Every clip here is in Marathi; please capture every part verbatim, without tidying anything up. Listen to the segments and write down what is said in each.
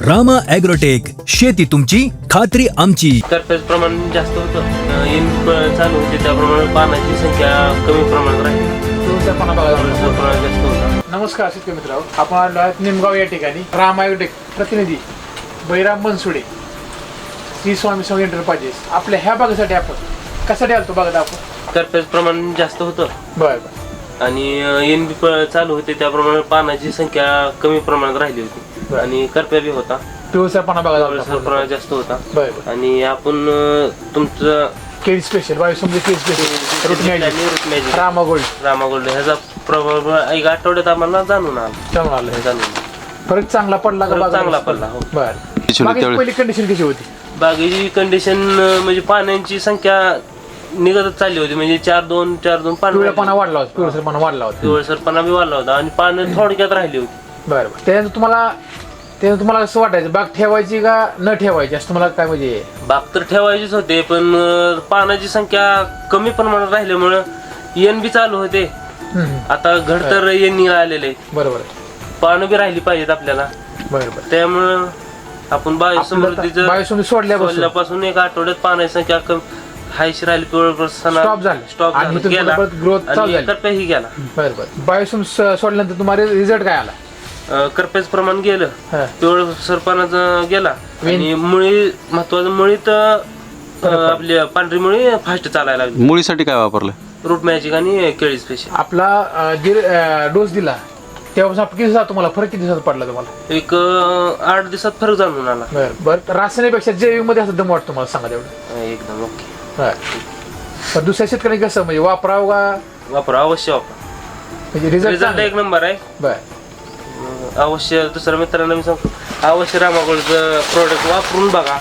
रामा ॲग्रोटेक, शेती तुमची खात्री आमची. करप्याचं प्रमाण जास्त होतं, इन चालू होते त्याप्रमाणे पानाची संख्या कमी प्रमाणात राहिली, तुळजापणा बघायला प्रमाण जास्त होतं. नमस्कार शेतकरी मित्रांनो, आपण आलो आहोत निमगाव या ठिकाणी. राम ॲग्रोटेक प्रतिनिधी बैराम बनसुडे, श्री स्वामी स्वामी एंटरप्राइजेस आपल्या ह्या भागासाठी आपण कशासाठी आलतो बघा आपण. करप्याचं प्रमाण जास्त होतं बरं बरं आणि इन चालू होते त्याप्रमाणे पानाची संख्या कमी प्रमाणात राहिली होती आणि करप्या बी होता, पिवळसरपणा बघायला पिवळसर प्रमाण जास्त होता. बरं बरं आणि आपण अं, तुमचं केळी स्पेशल बायोसमृद्धी केळी special root magic Rama gold Rama gold ह्याचा प्रभाव एक आठवड्यात आम्हाला जाणून आला जाऊन आलं. जाणून फरक चांगला पडला का फरक बागाला? चांगला पडला, हो. बरं बागेची पहिली कंडिशन कशी होती? बागेची कंडिशन म्हणजे पाण्याची संख्या निघतच चालली होती, म्हणजे चार दोन चार दोन पान पिवळेपणा वाढला होता, पिवळसरपणा वाढला होता. पिवळसरपणा बी वाढला होता आणि पानं थोडक्यात राहिली होती. बरं बरं त्यानंतर तुम्हाला त्यानंतर तुम्हाला असं वाटायचं बाग ठेवायची का न ठेवायची असं तुम्हाला काय म्हणजे? बाग तर ठेवायचीच होते, पण अं, पानाची संख्या कमी प्रमाणात राहिल्यामुळं येण बी चालू होते. हम्म. आता घड तर येण आलेले, बरोबर पानं बी राहिली पाहिजेत आपल्याला, बरं बरं त्यामुळं आपण बायोसमृद्धीचं बायोसमृद्धी सोडल्यापासून सोडल्यापासून एक आठवड्यात पानाची संख्या कमी हायशी राहिली, पिवळ Stop झालं. स्टॉप आणि इथून गेला पुढे परत growth चालू आणि झाली. करप्याही गेला. बरं बरं बायोसम सोडल्यानंतर तुम्हाला रिझल्ट काय आला? अं, करप्याचं प्रमाण गेलं, हा. पिवळ सरपणाचं गेला वेन- आणि मुळी महत्वाचं मुळीत अं, आपली पांढरी मुळी फास्ट चालायला लागली. मुळीसाठी काय वापरलं? रूट मॅजिक आणि केळी स्पेशल आपला अं, जे डोस दिला तेव्हापासून आपण किती दिवसात तुम्हाला फरक किती दिवसात पडला तुम्हाला? एक अं, आठ दिवसात फरक जाणून आला. बरं बरं रासायनिकपेक्षा जैविक मध्ये असं दम वाटतो मला सांगा तेवढं. अं, एकदम ओके. बरं पण दुसऱ्या शेतकऱ्यांनी कसं म्हणजे वापरावं का वापरा, अवश्य वापरा, म्हणजे रिझल्ट रिझल्ट एक नंबर आहे. बरं अं, अवश्य दुसऱ्या मित्रांना मी सांगतो, अवश्य रामागोल्डचं प्रोडक्ट वापरून बघा,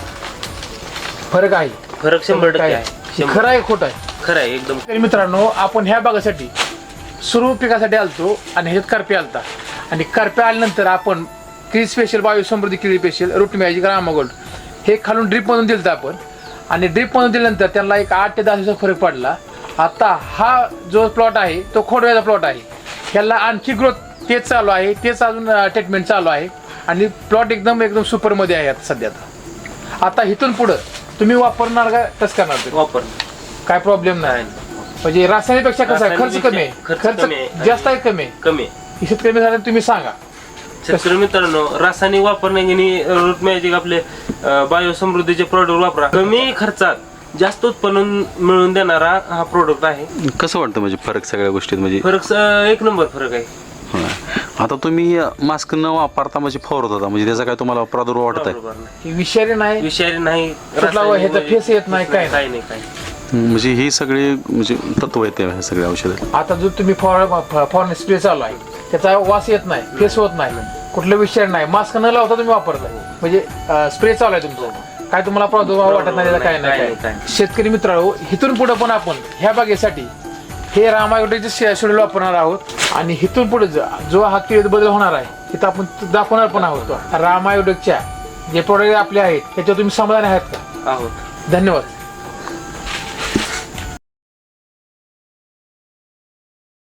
फरक आहे. फरक शंभर टक्के काय आहे. शंभर खरं आहे खोटं आहे? खरं आहे एकदम. तर मित्रांनो आपण ह्या भागासाठी सुरू पिकासाठी आलतो आणि ह्याच्यात करप्या आलता आणि करप्या आल्यानंतर आपण केळी स्पेशल बायोसमृद्धी केळी special root magic Rama gold हे खालून ड्रीप मधून दिलं आपण आणि ड्रीप मधून दिल्यानंतर त्यांना एक आठ ते दहा दिवसाचा फरक पडला. आता हा जो प्लॉट आहे तो खोडव्याचा प्लॉट आहे, ह्याला आणखी ग्रोथ तेच चालू आहे, तेच अजून ट्रीटमेंट चालू आहे आणि प्लॉट एकदम एकदम सुपरमध्ये आहे आता सध्या. आता इथून पुढं तुम्ही वापरणार का कसं करणार ते? वापर काय प्रॉब्लेम नाही. म्हणजे रासायनिकपेक्षा कसं आहे खर्च कमी आहे, खर्च खर्च कमी आहे. जास्त आहे कमी आहे. कमी आहे. शेतकरी मित्रांनो तुम्ही सांगा. शेतकरी मित्रांनो, रासायनिक वापरण्याने रूट मॅजिक आपले बायोसमृद्धीचे प्रोडक्ट वापरा, कमी खर्चात जास्त उत्पन्न मिळवून देणारा हा प्रोडक्ट आहे. कसं वाटतं म्हणजे फरक सगळ्या गोष्टीत म्हणजे? फरक स- एक नंबर फरक आहे. हा. आता तुम्ही मास्क न वापरता म्हणजे फवारत होता, म्हणजे त्याचा काय तुम्हाला प्रादुर्भाव वाटत आहे? बरोबर नाही. ही विषारी नाही, विषारी नाही, कुठला रासायनिक ह्याचा म्हणजे फेस येत नाही, काय नाही. काही नाही काही म्हणजे ही सगळी म्हणजे तत्व येते ह्या सगळ्या औषधात. आता जो तुम्ही फॉरेन स्प्रे चालू आहे त्याचा वास येत नाही, फेस होत नाही, कुठलं विषारी नाही, मास्क न लावता तुम्ही वापरताय म्हणजे स्प्रे चालू आहे तुमचा, काय तुम्हाला प्रादुर्भाव वाटत नाही त्याचा? काय नाही काय. शेतकरी मित्रांनो, इथून पुढे पण आपण ह्या बागेसाठी हे रामायगडचे शेड्यूल वापरणार आहोत आणि इथून पुढे जो हा केळीत बदल होणार आहे तिथं आपण दाखवणार पण आहोत. रामायगडच्या जे प्रोडक्ट आपले आहेत त्याच्यावर तुम्ही समाधानी आहात का? आहोत. धन्यवाद.